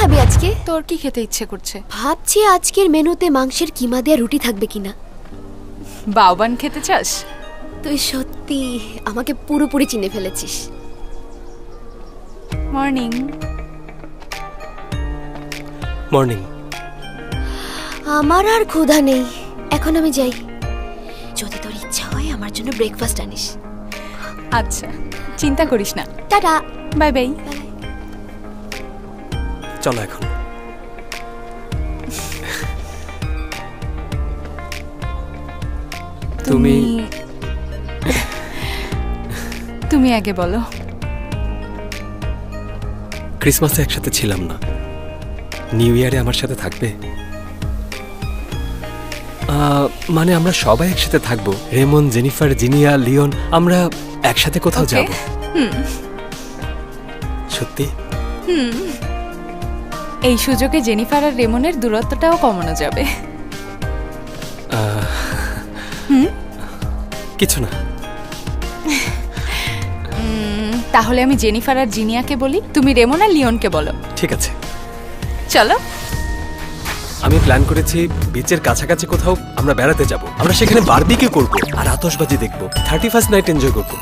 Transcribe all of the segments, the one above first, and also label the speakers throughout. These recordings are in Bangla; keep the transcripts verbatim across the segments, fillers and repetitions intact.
Speaker 1: খাবি আজকে?
Speaker 2: তোর কি খেতে ইচ্ছে করছে?
Speaker 1: ভাবছি আজকের মেনুতে মাংসের কিমা দেয়া রুটি থাকবে কিনা।
Speaker 2: বাউবান খেতে চাস?
Speaker 1: তুই সত্যি আমাকে পুরোপুরি চিনে ফেলেছিস।
Speaker 2: মর্নিং।
Speaker 3: মর্নিং।
Speaker 1: আমার আর ক্ষুধা নেই, এখন আমি যাই। যদি তোর ইচ্ছা হয় আমার জন্য ব্রেকফাস্ট আনিস।
Speaker 2: আচ্ছা, চিন্তা করিস না।
Speaker 1: টাটা।
Speaker 2: Bye bye.
Speaker 3: চলো এখন। তুমি
Speaker 2: তুমি আগে বলো।
Speaker 3: ক্রিসমাসে একসাথে ছিলাম না, নিউ ইয়ারে আমার সাথে থাকবে? মানে আমরা সবাই একসাথে থাকবো, রেমন, জেনিফার, জিনিয়া, লিওন, আমরা একসাথে কোথাও যাব। সত্যি?
Speaker 2: হুম, এই সুযোগে জেনিফার আর রেমনের দূরত্বটাও কমানো যাবে। হুম,
Speaker 3: কিছু না।
Speaker 2: তাহলে আমি জেনিফার আর জিনিয়াকে বলি, তুমি রেমন আর লিওনকে বলো।
Speaker 3: ঠিক আছে,
Speaker 2: চলো।
Speaker 3: আমি প্ল্যান করেছি বিচের কাছাকাছি কোথাও আমরা বেড়াতে যাব। আমরা সেখানে বারবিকিউ করব আর আতশবাজি দেখব, থার্টি ফার্স্ট নাইট এনজয় করব।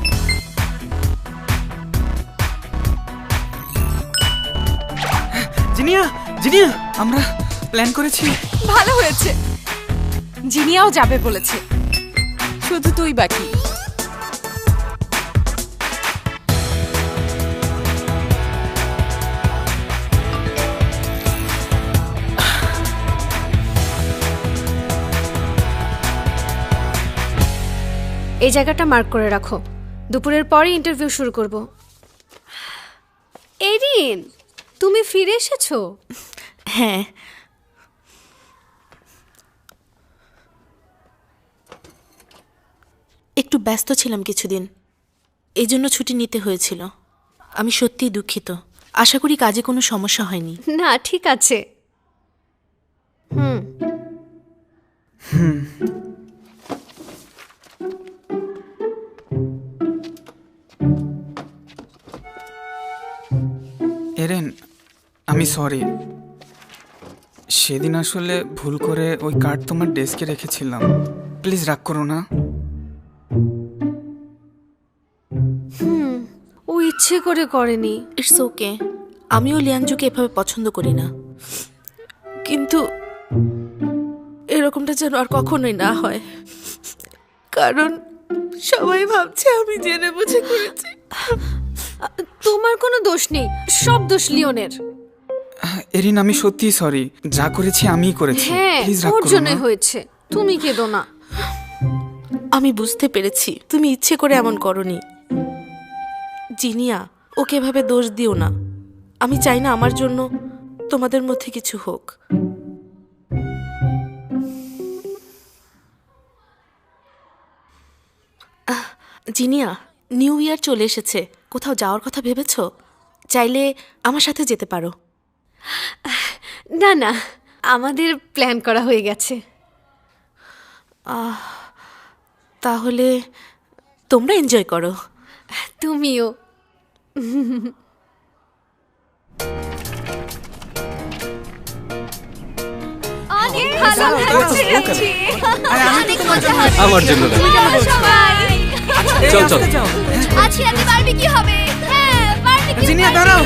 Speaker 4: জিনিয়া, জিনিয়া, আমরা প্ল্যান করেছি।
Speaker 2: ভালো হয়েছে, জিনিয়াও যাবে বলেছে, শুধু তুই বাকি।
Speaker 5: এই জায়গাটা মার্ক করে রাখো, দুপুরের পরে ইন্টারভিউ শুরু করব। এরিন, তুমি ফিরে এসেছো?
Speaker 6: হ্যাঁ, একটু ব্যস্ত ছিলাম কিছুদিন, এই জন্য ছুটি নিতে হয়েছিল। আমি সত্যিই দুঃখিত, আশা করি কাজে কোনো সমস্যা হয়নি।
Speaker 5: না, ঠিক আছে। হুম
Speaker 4: হুম এরেন, আমি সরি। সেদিন আসলে ভুল করে ওই কার্ড তোমার ডেস্কে রেখেছিলাম, প্লিজ রাগ করো না।
Speaker 5: হুম ও ইচ্ছে করে করেনি।
Speaker 6: ইটস ওকে, আমিও লিয়াংজুকে এভাবে পছন্দ করি না, কিন্তু এরকমটা যেন আর কখনোই না হয়, কারণ সবাই ভাবছে আমি জেনে বুঝে করেছি।
Speaker 5: তোমার কোনো দোষ নেই, সব দোষ লিওনের।
Speaker 4: এরিন, আমি সত্যিই সরি, যা করেছি আমিই করেছি,
Speaker 5: হ্যাঁ,
Speaker 4: প্লিজ রাগ
Speaker 5: ওর
Speaker 4: করো
Speaker 5: জন্যই
Speaker 4: না।
Speaker 5: হয়েছে, তুমি কেঁদো না।
Speaker 6: আমি বুঝতে পেরেছি তুমি ইচ্ছে করে এমন করনি। জিনিয়া, ওকে এভাবে দোষ দিও না। আমি চাই না আমার জন্য তোমাদের মধ্যে কিছু হোক। আহ, জিনিয়া, নিউ ইয়ার চলে এসেছে, কোথাও যাওয়ার কথা ভেবেছো? চাইলে আমার সাথে যেতে পারো।
Speaker 5: না না, আমাদের প্ল্যান করা হয়ে গেছে।
Speaker 6: আহ, তাহলে তোমরা এনজয় করো।
Speaker 5: তুমিও। অনেক ভালো লাগছে।
Speaker 3: আমার জন্য না। চল চল,
Speaker 1: আজকে রাতে বারবিকিউ হবে। হ্যাঁ, বারবিকিউ।
Speaker 4: জিনিয়া, দাঁড়াও।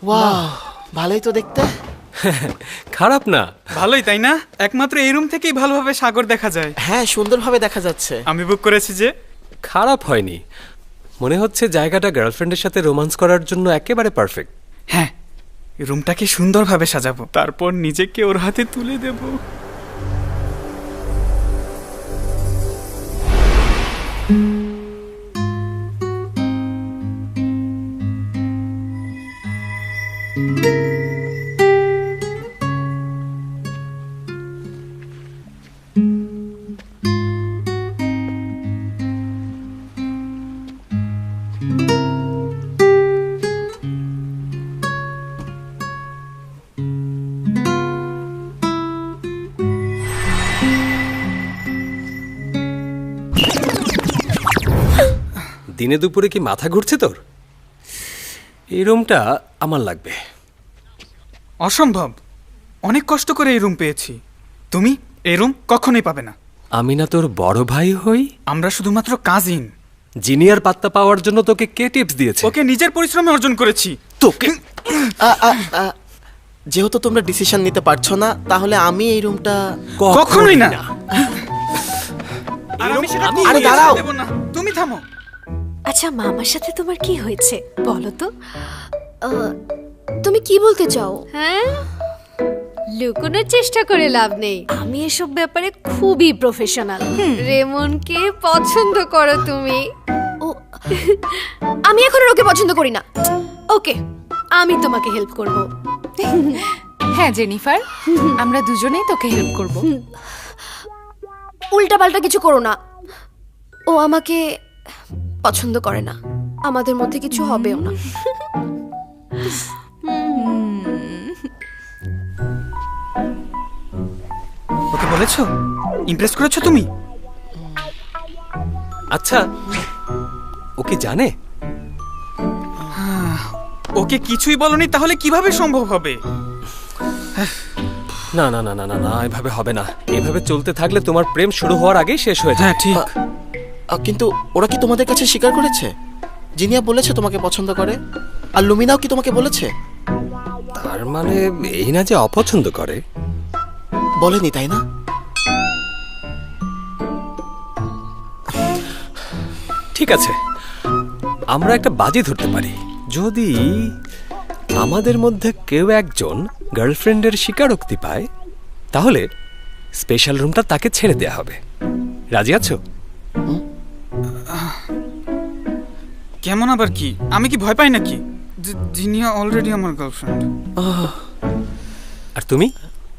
Speaker 7: ওয়াও, ভালোই তো দেখতে।
Speaker 3: খারাপ না।
Speaker 4: ভালোই তাই না? একমাত্র এই রুম থেকেই ভালোভাবে সাগর দেখা যায়।
Speaker 7: হ্যাঁ, সুন্দরভাবে দেখা যাচ্ছে।
Speaker 4: আমি বুক করেছি যে।
Speaker 3: খারাপ হয়নি, মনে হচ্ছে জায়গাটা গার্লফ্রেন্ডের সাথে রোমান্স করার জন্য একেবারে পারফেক্ট।
Speaker 4: হ্যাঁ, রুমটাকে সুন্দরভাবে সাজাবো, তারপর নিজেকে ওর হাতে তুলে দেব।
Speaker 3: দিনে দুপুরে কি মাথা ঘুরছে তোর? এই রুমটা আমার লাগবে।
Speaker 4: অসম্ভব, অনেক কষ্ট করে এই রুম পেয়েছি। তুমি এই রুম কখনোই পাবে না।
Speaker 3: আমি না তোর বড় ভাই হই?
Speaker 4: আমরা শুধুমাত্র কাজিন।
Speaker 3: জিনিয়ার পাত্তা পাওয়ার জন্য তোকে কে টিপস দিয়েছে?
Speaker 4: ওকে নিজের পরিশ্রমে অর্জন করেছি।
Speaker 3: তোকে
Speaker 7: আ, আ, আ, যেহেতু তোমরা ডিসিশন নিতে পারছো না, তাহলে আমি এই রুমটা
Speaker 4: কখনোই না। আর আমি সেটা
Speaker 7: আরে
Speaker 4: কখনোই
Speaker 7: দাঁড়াও।
Speaker 4: দেব না। তুমি থামো।
Speaker 5: আচ্ছা, মামার সাথে তোমার কি হয়েছে বলো তো?
Speaker 1: আহ, তুমি কি বলতে চাও?
Speaker 5: হ্যাঁ, লুকোনোর চেষ্টা করে লাভ নেই। আমি এসব ব্যাপারে খুবই প্রফেশনাল। রেমনকে পছন্দ করো তুমি।
Speaker 1: ও, আমি এখন আর ওকে পছন্দ করি না।
Speaker 5: ওকে, আমি তোমাকে হেল্প করব।
Speaker 2: হ্যাঁ জেনিফার, আমরা দুজনেই তোকে হেল্প করব।
Speaker 1: উল্টা পাল্টা কিছু করো না। ও আমাকে পছন্দ করে না, আমাদের মধ্যে কিছু হবেও না।
Speaker 4: ওকে বলেছো? ইমপ্রেস করেছো তুমি?
Speaker 3: আচ্ছা, ও কি জানে?
Speaker 4: ওকে কিছুই বলনি, তাহলে কিভাবে সম্ভব হবে?
Speaker 3: না না না না না না, এভাবে হবে না। এভাবে চলতে থাকলে তোমার প্রেম শুরু হওয়ার আগেই শেষ হয়ে যায়।
Speaker 4: হ্যাঁ ঠিক।
Speaker 7: আ, কিন্তু ওরা কি তোমাদের কাছে স্বীকার করেছে? জিনিয়া বলেছে তোমাকে পছন্দ করে, আর লুমিনাও কি তোমাকে বলেছে?
Speaker 3: তার মানে এই না যে অপছন্দ করে।
Speaker 7: বলেনি তাই না?
Speaker 3: ঠিক আছে, আমরা একটা বাজি ধরতে পারি। যদি আমাদের মধ্যে কেউ একজন গার্লফ্রেন্ডের স্বীকারোক্তি পায়, তাহলে স্পেশাল রুমটা তাকে ছেড়ে দেয়া হবে। রাজি আছো?
Speaker 4: কেমন আবার কি? আমি কি ভয় পাই নাকি? জি- জিনিয়া অলরেডি আমার গার্লফ্রেন্ড।
Speaker 3: আর তুমি?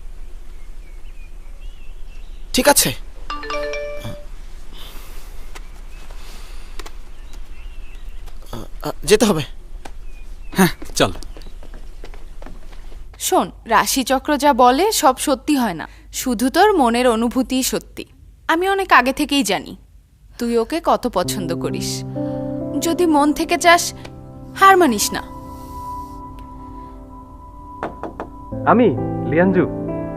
Speaker 7: ঠিক আছে, আ, যেতে হবে।
Speaker 3: চল।
Speaker 2: শোন, রাশিচক্র যা বলে সব সত্যি হয় না, শুধু তোর মনের অনুভূতিই সত্যি। আমি অনেক আগে থেকেই জানি তুই ওকে কত পছন্দ করিস। যদি মন থেকে চাস, হার মানিস না।
Speaker 3: আমি লিয়ানজু।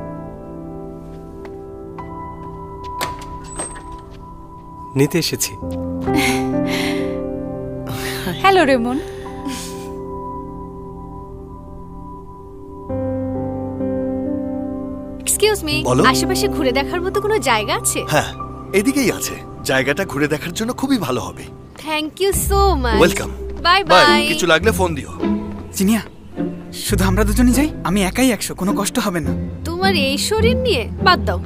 Speaker 3: নিতে এসেছি।
Speaker 2: Hello Raymond.
Speaker 5: এক্সকিউজ মি,
Speaker 8: বলো।
Speaker 5: আশেপাশে ঘুরে দেখার মতো কোনো জায়গা আছে?
Speaker 8: হ্যাঁ, এদিকেই আছে। জায়গাটা ঘুরে দেখার জন্য খুবই ভালো হবে।
Speaker 5: Thank you so much.
Speaker 8: Welcome.
Speaker 5: Bye
Speaker 8: bye.
Speaker 5: Bye.
Speaker 8: কিছু লাগলে ফোন দিও।
Speaker 4: জিনিয়া, শুধু আমরা দুজনই যাই। আমি একাই একশো, কোনো কষ্ট হবে না।
Speaker 5: তোমার এই শরীর নিয়ে বাদ দাও।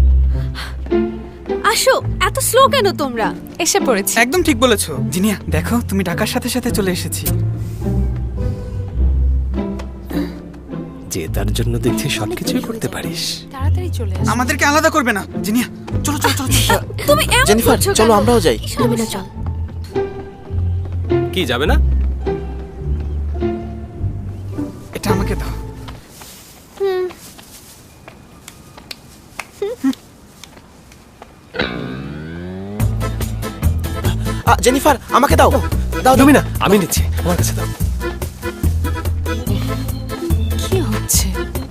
Speaker 5: আসো, এত স্লো কেন তোমরা?
Speaker 2: এসে পড়েছি।
Speaker 4: একদম ঠিক বলেছো জিনিয়া। দেখো, তুমি ডাকার সাথে সাথে চলে এসেছি।
Speaker 3: যে তার জন্য দেখছি সবকিছুই করতে পারিস।
Speaker 2: তাড়াতাড়ি চলে আস।
Speaker 4: আমাদেরকে আলাদা করবে না। জিনিয়া, চলো চলো চলো চলো।
Speaker 5: তুমি এমন
Speaker 7: জেনিফার,
Speaker 5: করছো
Speaker 7: চলো
Speaker 5: কেন?
Speaker 7: আমরাও যাই।
Speaker 5: কি
Speaker 1: লুমিনা,
Speaker 5: সমস্যা?
Speaker 1: চল।
Speaker 3: কি যাবে না?
Speaker 4: এটা আমাকে দাও।
Speaker 7: আ, জেনিফার, আমাকে দাও দাও দাও।
Speaker 3: লুমিনা, আমি নিচ্ছি, আমার কাছে দাও।
Speaker 2: কি হচ্ছে?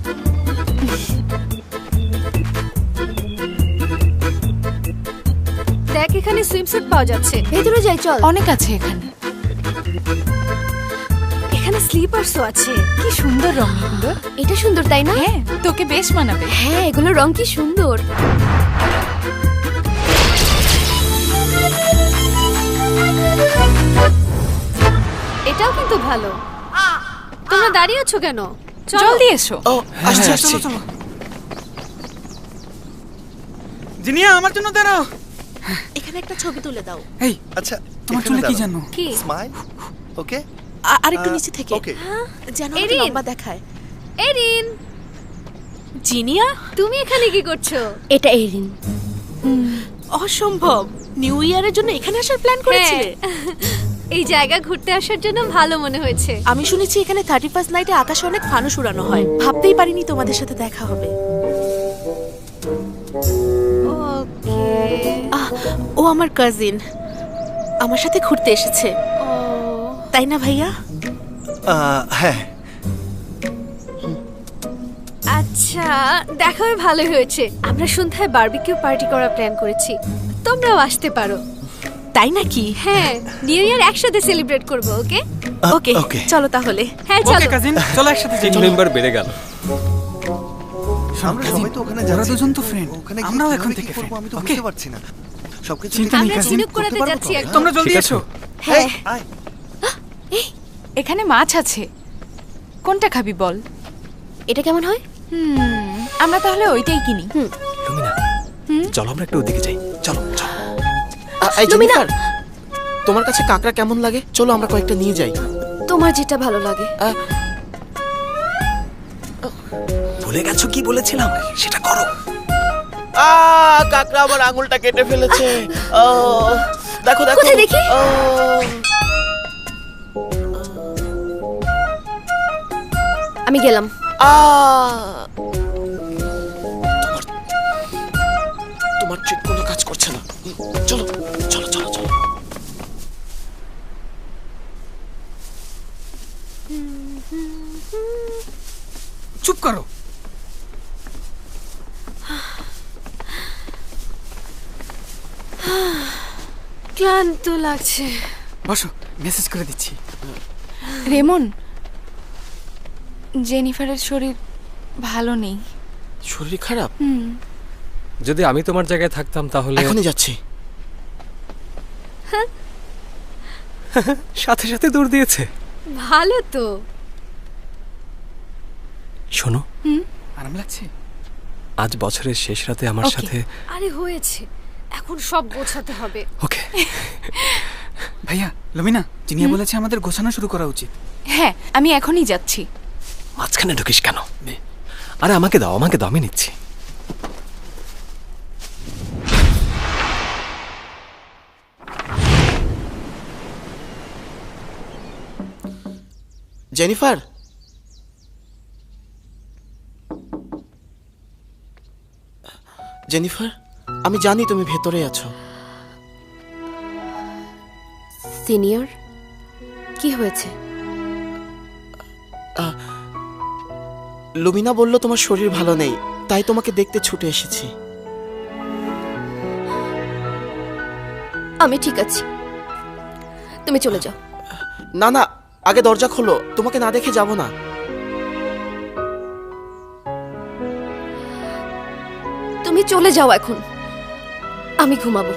Speaker 5: দেখ, এখানে সুইমস্যুট পাওয়া যাচ্ছে।
Speaker 1: ভেতরে যাই, চল।
Speaker 2: অনেক আছে এখানে।
Speaker 5: এখানে এখানে স্লিপারসও আছে।
Speaker 2: কি সুন্দর রং এগুলো।
Speaker 1: এটা সুন্দর তাই না?
Speaker 2: হ্যাঁ, তোকে বেশ মানাবে।
Speaker 1: হ্যাঁ, এগুলো রং কি সুন্দর।
Speaker 5: এটাও কিন্তু ভালো। তোমরা দাঁড়িয়ে আছো কেন? চলো।
Speaker 2: জলদি এসো।
Speaker 7: ও আসছি
Speaker 4: হ্যাঁ,
Speaker 7: আসছি
Speaker 4: চলো চলো। জিনিয়া আমার জন্য দাঁড়াও।
Speaker 6: এখানে একটা ছবি তুলে দাও।
Speaker 4: এই
Speaker 8: আচ্ছা
Speaker 4: তোমার চুলে কি জানো?
Speaker 5: কি?
Speaker 8: স্মাইল ওকে
Speaker 6: আ- আরেকটু
Speaker 8: আহ,
Speaker 6: নিচে থেকে
Speaker 8: ওকে
Speaker 6: যেন একটু
Speaker 5: এরিন।
Speaker 6: লম্বা দেখায়।
Speaker 5: এরিন,
Speaker 6: জিনিয়া,
Speaker 5: তুমি এখানে কি করছো?
Speaker 1: এটা এরিন।
Speaker 6: অসম্ভব, নিউ ইয়ারের জন্য এখানে আসার প্ল্যান করেছিলে?
Speaker 5: এই জায়গা ঘুরতে আসার জন্য ভালো মনে হয়েছে।
Speaker 6: আমি শুনেছি এখানে থার্টি ফার্স্ট নাইটে আকাশে অনেক ফানুস উড়ানো হয়। ভাবতেই পারিনি তোমাদের সাথে দেখা হবে।
Speaker 5: ওকে।
Speaker 6: আহ, ও আমার কাজিন, আমার সাথে ঘুরতে এসেছে,
Speaker 5: ও
Speaker 6: তাই না ভাইয়া?
Speaker 8: আহ, হ্যাঁ
Speaker 5: আচ্ছা, দেখা হয়ে ভালো হয়েছে। আমরা সন্ধ্যায় বারবিকিউ পার্টি করার প্ল্যান করেছি, তোমরাও আসতে পারো।
Speaker 6: তাই নাকি?
Speaker 5: হ্যাঁ, নিউ ইয়ার একসাথে সেলিব্রেট করব। ওকে
Speaker 6: ওকে
Speaker 8: ওকে
Speaker 6: চলো তাহলে।
Speaker 5: হ্যাঁ
Speaker 4: ওকে
Speaker 5: চলো।
Speaker 4: কাজিন, চলো একসাথে যাই।
Speaker 3: তিন মেম্বার বেড়ে গেল।
Speaker 8: আমরা সবাই তো ওখানে
Speaker 4: ওরা
Speaker 8: যাচ্ছি।
Speaker 4: দুজন তো friend,
Speaker 8: ওখানে গিয়ে
Speaker 4: আমরাও
Speaker 8: কিভাবে
Speaker 4: এখন
Speaker 8: কি
Speaker 4: থেকে
Speaker 8: করবো
Speaker 4: friend,
Speaker 8: আমি তো
Speaker 4: okay?
Speaker 8: বুঝতে পারছি না। সবকিছু
Speaker 4: চিন্তা
Speaker 8: ঠিক
Speaker 4: নেই,
Speaker 5: আমরা
Speaker 4: কাজিন।
Speaker 5: ঝিনুক করাতে
Speaker 8: করতে পারবো
Speaker 5: যাচ্ছি
Speaker 8: তো?
Speaker 5: একদম।
Speaker 4: তোমরা জলদি
Speaker 3: ঠিক আছে।
Speaker 4: এসো।
Speaker 5: হ্যাঁ
Speaker 8: আয়।
Speaker 2: এখানে মাছ আছে, কোনটা খাবি বল?
Speaker 1: এটা কেমন হয়?
Speaker 2: হুম, আমরা তাহলে ওইটাই কিনি।
Speaker 3: লুমিনা, চলো আমরা একটু ওদিকে যাই। চলো চলো।
Speaker 7: আ- এই জেনিফার, তোমার কাছে কাঁকড়া কেমন লাগে? চলো আমরা কয়েকটা নিয়ে যাই।
Speaker 1: তোমার যেটা ভালো লাগে।
Speaker 7: আহ,
Speaker 3: ভুলে গেছো কি বলেছিলাম, সেটা করো।
Speaker 7: আ কাঁকড়া আমার আঙুলটা কেটে ফেলেছে। ও দেখো দেখো।
Speaker 1: কোথায় দেখি?
Speaker 7: ও,
Speaker 1: আমি গেলাম।
Speaker 7: আ তোমার তোমার ট্রিক কোনো কাজ করছে না। চলো চলো চলো চলো।
Speaker 4: চুপ করো।
Speaker 5: ক্লান্ত লাগছে।
Speaker 4: বসো, মেসেজ করে দিচ্ছি।
Speaker 2: রেমন, জেনিফারের শরীর ভালো নেই।
Speaker 7: শরীর খারাপ?
Speaker 3: যদি আমি তোমার জায়গায় থাকতাম তাহলে
Speaker 7: এখনই যাচ্ছি।
Speaker 3: সাথে সাথে দৌড় দিয়েছে।
Speaker 5: ভালো তো।
Speaker 3: শোনো,
Speaker 4: আরাম লাগছে?
Speaker 3: আজ বছরের শেষ রাতে আমার
Speaker 2: Okay.
Speaker 3: সাথে।
Speaker 5: আরে হয়েছে, এখন সব গোছাতে হবে।
Speaker 3: ওকে।
Speaker 4: ভাইয়া, লমিনা, জিনিয়া বলেছে আমাদের গোছানো শুরু করা উচিত।
Speaker 2: হ্যাঁ, আমি এখনই যাচ্ছি।
Speaker 3: মাঝখানে ঢুকিস কেন? আরে আমাকে দাও, আমাকে দাও, আমি নিচ্ছি।
Speaker 7: জেনিফার, জেনিফার, আমি জানি তুমি ভেতরে আছো।
Speaker 1: সিনিয়র, কি হয়েছে?
Speaker 7: লুমিনা বলল তোমার শরীর ভালো নেই, তাই তোমাকে দেখতে ছুটে এসেছি।
Speaker 1: আমি ঠিক আছি, তুমি চলে যাও।
Speaker 7: না না, আগে দরজা খোলো, তোমাকে না দেখে যাব না।
Speaker 1: তুমি চলে যাও এখন, আমি ঘুমাবো।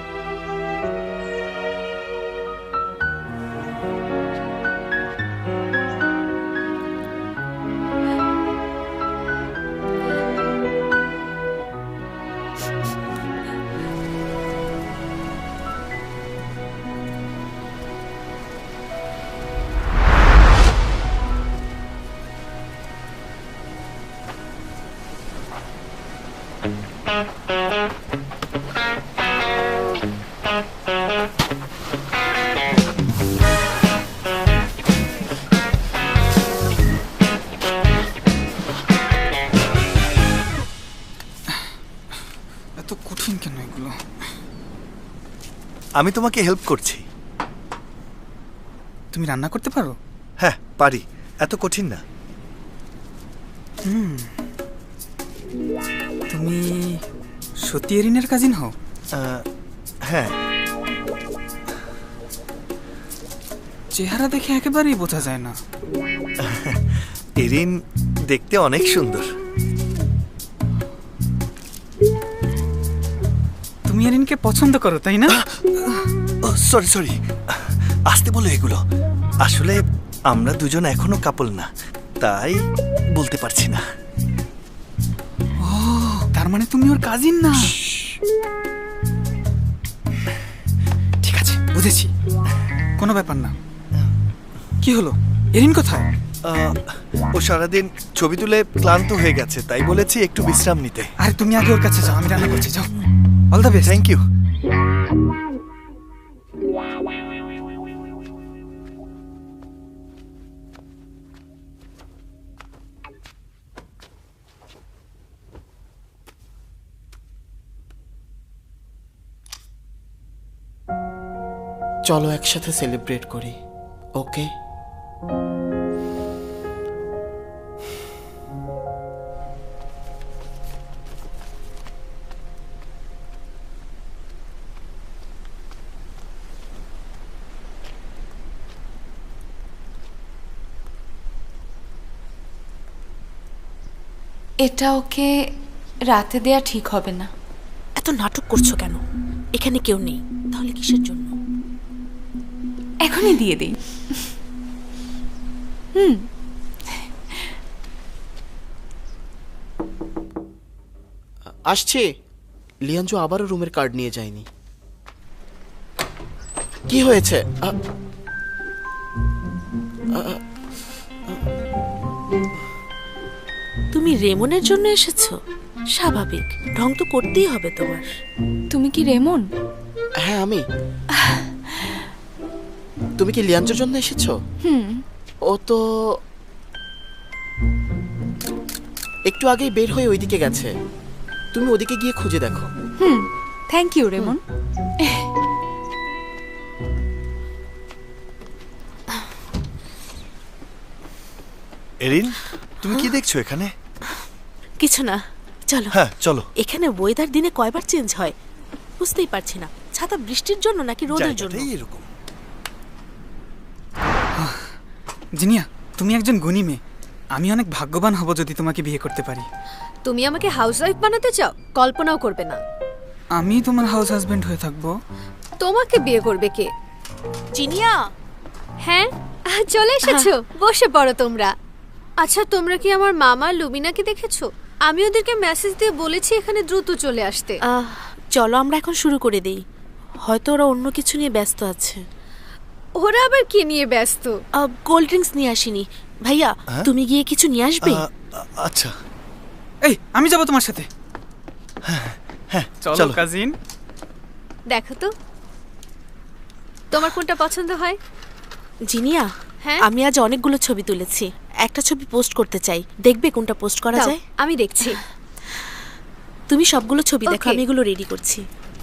Speaker 4: এত কঠিন কেন এগুলো?
Speaker 8: আমি তোমাকে হেল্প করছি।
Speaker 4: তুমি রান্না করতে পারো?
Speaker 8: হ্যাঁ পারি, এত কঠিন না।
Speaker 4: তুমি সত্যি এরিনের কাজিন হও?
Speaker 8: আহ, হ্যাঁ।
Speaker 4: চেহারা দেখে একেবারেই বোঝা যায় না।
Speaker 8: এরিন দেখতে অনেক সুন্দর।
Speaker 4: তুমি এরিনকে পছন্দ করো তাই না?
Speaker 8: সরি সরি, আসতে বলো এগুলো। আসলে আমরা দুজন এখনো কাপল না, তাই বলতে পারছি না।
Speaker 4: ও, তার মানে তুমি ওর কাজিন না? ঠিক আছে, বুঝেছি, কোনো ব্যাপার না। কি হলো, এরিন কোথায়?
Speaker 8: আহ, ও সারাদিন ছবি তুলে ক্লান্ত হয়ে গেছে, তাই বলেছি একটু বিশ্রাম নিতে।
Speaker 4: আরে তুমি আগে ওর কাছে যাও, আমি রান্না করছি, যাও। All the best.
Speaker 8: Thank you.
Speaker 7: চলো একসাথে সেলিব্রেট করি, ওকে?
Speaker 2: এটা ওকে রাতে দেয়া ঠিক হবে না।
Speaker 6: এত নাটক করছো কেন? এখানে কেউ নেই, তাহলে কিসের জন্য?
Speaker 2: এখনই দিয়ে দেই। হুম,
Speaker 7: আসছি। লিয়াঞ্জু আবারও রুমের কার্ড নিয়ে যায়নি। কি হয়েছে? আ, আ,
Speaker 6: তুমি রেমনের জন্য এসেছো? স্বাভাবিক, ঢং তো করতেই হবে তোমার।
Speaker 2: তুমি কি রেমন?
Speaker 7: হ্যাঁ আমি। তুমি কি লিয়াঞ্জুর জন্য এসেছো?
Speaker 2: হুম।
Speaker 7: ও তো একটু আগেই বের হয়ে ওইদিকে গেছে। তুমি ওদিকে গিয়ে খুঁজে দেখো।
Speaker 2: Hmm, thank you Ramon.
Speaker 8: Erin, তুমি কি দেখছো এখানে?
Speaker 6: কিছু না, চলো।
Speaker 8: হ্যাঁ চলো।
Speaker 6: এখানে ওয়েদার দিনে কয়বার চেঞ্জ হয় বুঝতেই পারছি না। ছাতা বৃষ্টির জন্য নাকি রোদের জন্য?
Speaker 8: জায়গাটাই এরকম।
Speaker 4: জিনিয়া, তুমি একজন গুণী মেয়ে। আমি অনেক ভাগ্যবান হব যদি তোমাকে বিয়ে করতে পারি।
Speaker 5: তুমি আমাকে হাউসওয়াইফ বানাতে চাও? কল্পনাও করবে না।
Speaker 4: আমি তোমার হাউস হাজবেন্ড হয়ে থাকবো।
Speaker 5: তোমাকে বিয়ে করবে কে?
Speaker 6: জিনিয়া,
Speaker 5: হ্যাঁ, আহ, চলে এসেছো, বসে পড়ো তোমরা। আচ্ছা, তোমরা কি আমার মামা লুমিনাকে দেখেছো? আমি ওদেরকে মেসেজ দিয়ে বলেছি এখানে দ্রুত চলে আসতে।
Speaker 6: আহ, চলো আমরা এখন শুরু করে দেই। হয়তো ওরা অন্য কিছু নিয়ে ব্যস্ত আছে।
Speaker 5: ওরা আবার কি নিয়ে ব্যস্ত?
Speaker 6: কোল্ড ড্রিঙ্কস নিয়ে আসিনি। ভাইয়া,
Speaker 8: হ্যাঁ?
Speaker 6: তুমি গিয়ে কিছু নিয়ে আসবে?
Speaker 8: আ, আ- আচ্ছা
Speaker 4: এই, আমি যাবো তোমার সাথে।
Speaker 8: হ্যাঁ
Speaker 4: চলো
Speaker 8: চলো।
Speaker 4: কাজিন।
Speaker 5: দেখো তো তোমার কোনটা পছন্দ হয়।
Speaker 6: জিনিয়া,
Speaker 5: হ্যাঁ?
Speaker 6: আমি আজ অনেকগুলো ছবি তুলেছি। একটা ছবি পোস্ট করতে চাই, দেখবে কোনটা পোস্ট করা
Speaker 5: দাও,
Speaker 6: যায়?
Speaker 5: আমি দেখছি।
Speaker 6: তুমি সবগুলো ছবি দেখো,
Speaker 5: Okay.
Speaker 6: আমি এগুলো রেডি করছি।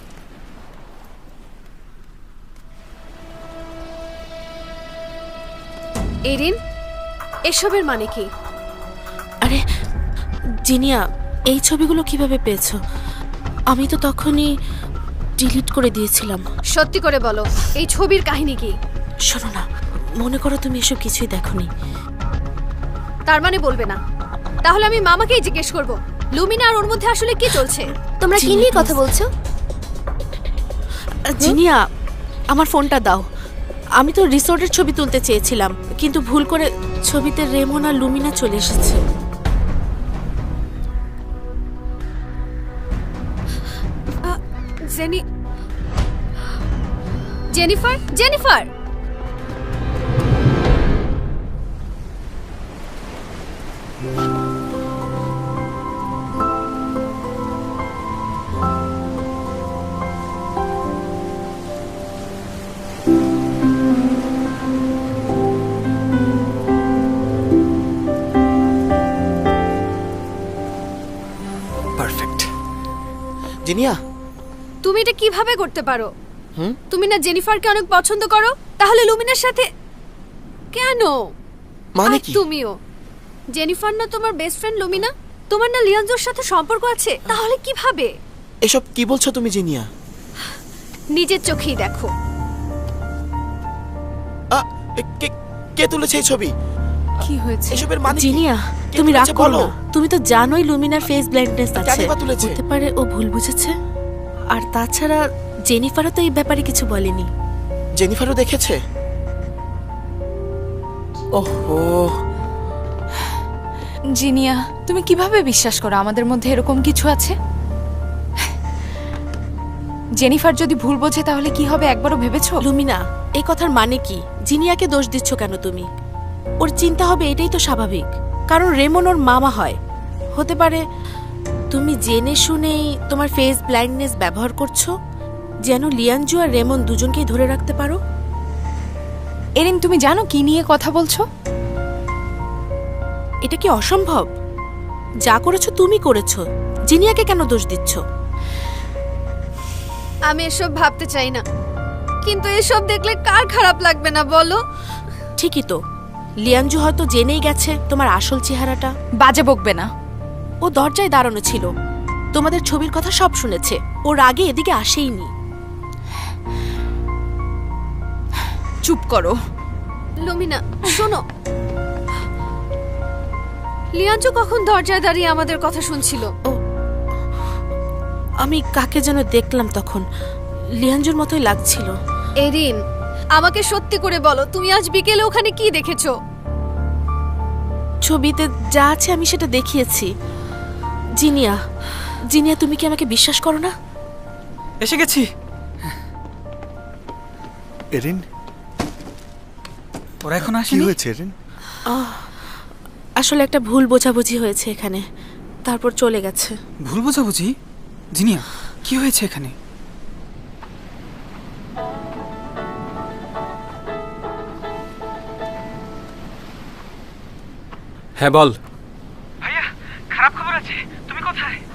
Speaker 5: এরিন, এসবের মানে কি?
Speaker 6: আরে জিনিয়া, এই ছবিগুলো কিভাবে পেয়েছো? আমি তো তখনই ডিলিট করে দিয়েছিলাম।
Speaker 5: সত্যি করে বলো, এই ছবির কাহিনী কি?
Speaker 6: শোনো না, মনে করো তুমি এসব কিছুই দেখোনি।
Speaker 5: তার মানে বলবে না? তাহলে আমি মামাকেই জিজ্ঞেস করব, লুমিনা আর ওর মধ্যে আসলে কি চলছে। তোমরা কি নিয়ে কথা বলছো?
Speaker 6: জিনিয়া, আমার ফোনটা দাও। আমি তো রিসোর্টের ছবি তুলতে চেয়েছিলাম, কিন্তু ভুল করে ছবিতে রেমন আর লুমিনা চলে এসেছে।
Speaker 5: Jenny Jennifer Jennifer
Speaker 8: perfect.
Speaker 7: Zinia,
Speaker 5: তুমি এটা কিভাবে করতে পারো?
Speaker 7: হুম?
Speaker 5: তুমি না জেনিফারকে অনেক পছন্দ করো, তাহলে লুমিনার সাথে কেন?
Speaker 7: মানে
Speaker 5: আর
Speaker 7: কি?
Speaker 5: তুমিও। জেনিফার না তোমার বেস্ট ফ্রেন্ড লুমিনা? তোমার না লিয়ানজোর সাথে সম্পর্ক আছে, তাহলে কিভাবে?
Speaker 7: এসব কি বলছো তুমি জিনিয়া?
Speaker 5: নিজের চোখেই দেখো।
Speaker 7: আ, এ, কে কে তুলেছে এই ছবি?
Speaker 2: কি হয়েছে?
Speaker 7: এসবের মানে কি?
Speaker 6: জিনিয়া
Speaker 7: কে
Speaker 6: তুমি রাগ
Speaker 7: তুলেছে
Speaker 6: করো
Speaker 7: বলো?
Speaker 6: না। তুমি তো জানোই লুমিনার ফেস ব্লাইন্ডনেস আছে।
Speaker 7: কেনই বা তুলেছে?
Speaker 6: হতে পারে ও ভুল বুঝেছে। আর তাছাড়া জেনিফারও তো এই ব্যাপারে কিছু বলেনি।
Speaker 7: জেনিফারও দেখেছে? ওহো,
Speaker 2: জিনিয়া, তুমি কিভাবে বিশ্বাস করো আমাদের মধ্যে এরকম কিছু আছে? জেনিফার যদি ভুল বোঝে তাহলে কি হবে একবারও ভেবেছো?
Speaker 6: লুমিনা, এই কথার মানে কি? জিনিয়াকে দোষ দিচ্ছ কেন তুমি? ওর চিন্তা হবে এটাই তো স্বাভাবিক, কারণ রেমন ওর মামা হয়। হতে পারে তুমি জেনে শুনেই তোমার ফেস ব্লাইন্ডনেস ব্যবহার করছো যেন লিয়ানজু আর রেমন দুজনকেই ধরে রাখতে পারো।
Speaker 2: এরিন, তুমি জানো কি নিয়ে কথা বলছো?
Speaker 6: এটা কি অসম্ভব? যা করেছো তুমি করেছো, জিনিয়াকে কেন দোষ দিচ্ছ?
Speaker 5: আমি এসব ভাবতে চাই না, কিন্তু এসব দেখলে কার খারাপ লাগবে না বলো?
Speaker 6: ঠিকই তো, লিয়ানজু হয়তো জেনেই গেছে তোমার আসল চেহারাটা।
Speaker 2: বাজে বকবে না।
Speaker 6: ও দরজায় দাঁড়ানো ছিল, তোমাদের ছবির কথা সব শুনেছে। ওর আগে এদিকে আসেইনি।
Speaker 2: চুপ করো।
Speaker 5: লুমিনা শোনো, লিয়াঞ্জু কখন দরজায় দাঁড়িয়ে আমাদের কথা শুনছিল?
Speaker 6: আমি কাকে যেন দেখলাম তখন, লিয়ানজুর মতোই লাগছিল।
Speaker 5: এরিন, আমাকে সত্যি করে বলো, তুমি আজ বিকেলে ওখানে কি দেখেছো?
Speaker 6: ছবিতে যা আছে আমি সেটা দেখিয়েছি। জিনিয়া, জিনিয়া তুমি কি আমাকে বিশ্বাস করো না?
Speaker 4: এসে গেছি।
Speaker 8: এরিন,
Speaker 4: ওরা এখন
Speaker 8: কি
Speaker 4: আসেনি?
Speaker 8: হয়েছে এরিন?
Speaker 6: আসলে একটা ভুল বোঝাবুঝি হয়েছে এখানে, তারপর চলে গেছে।
Speaker 4: ভুল বোঝাবুঝি? জিনিয়া, কি হয়েছে এখানে?
Speaker 3: হ্যাঁ বল।
Speaker 4: ভাইয়া, খারাপ খবর আছে। তুমি কোথায়?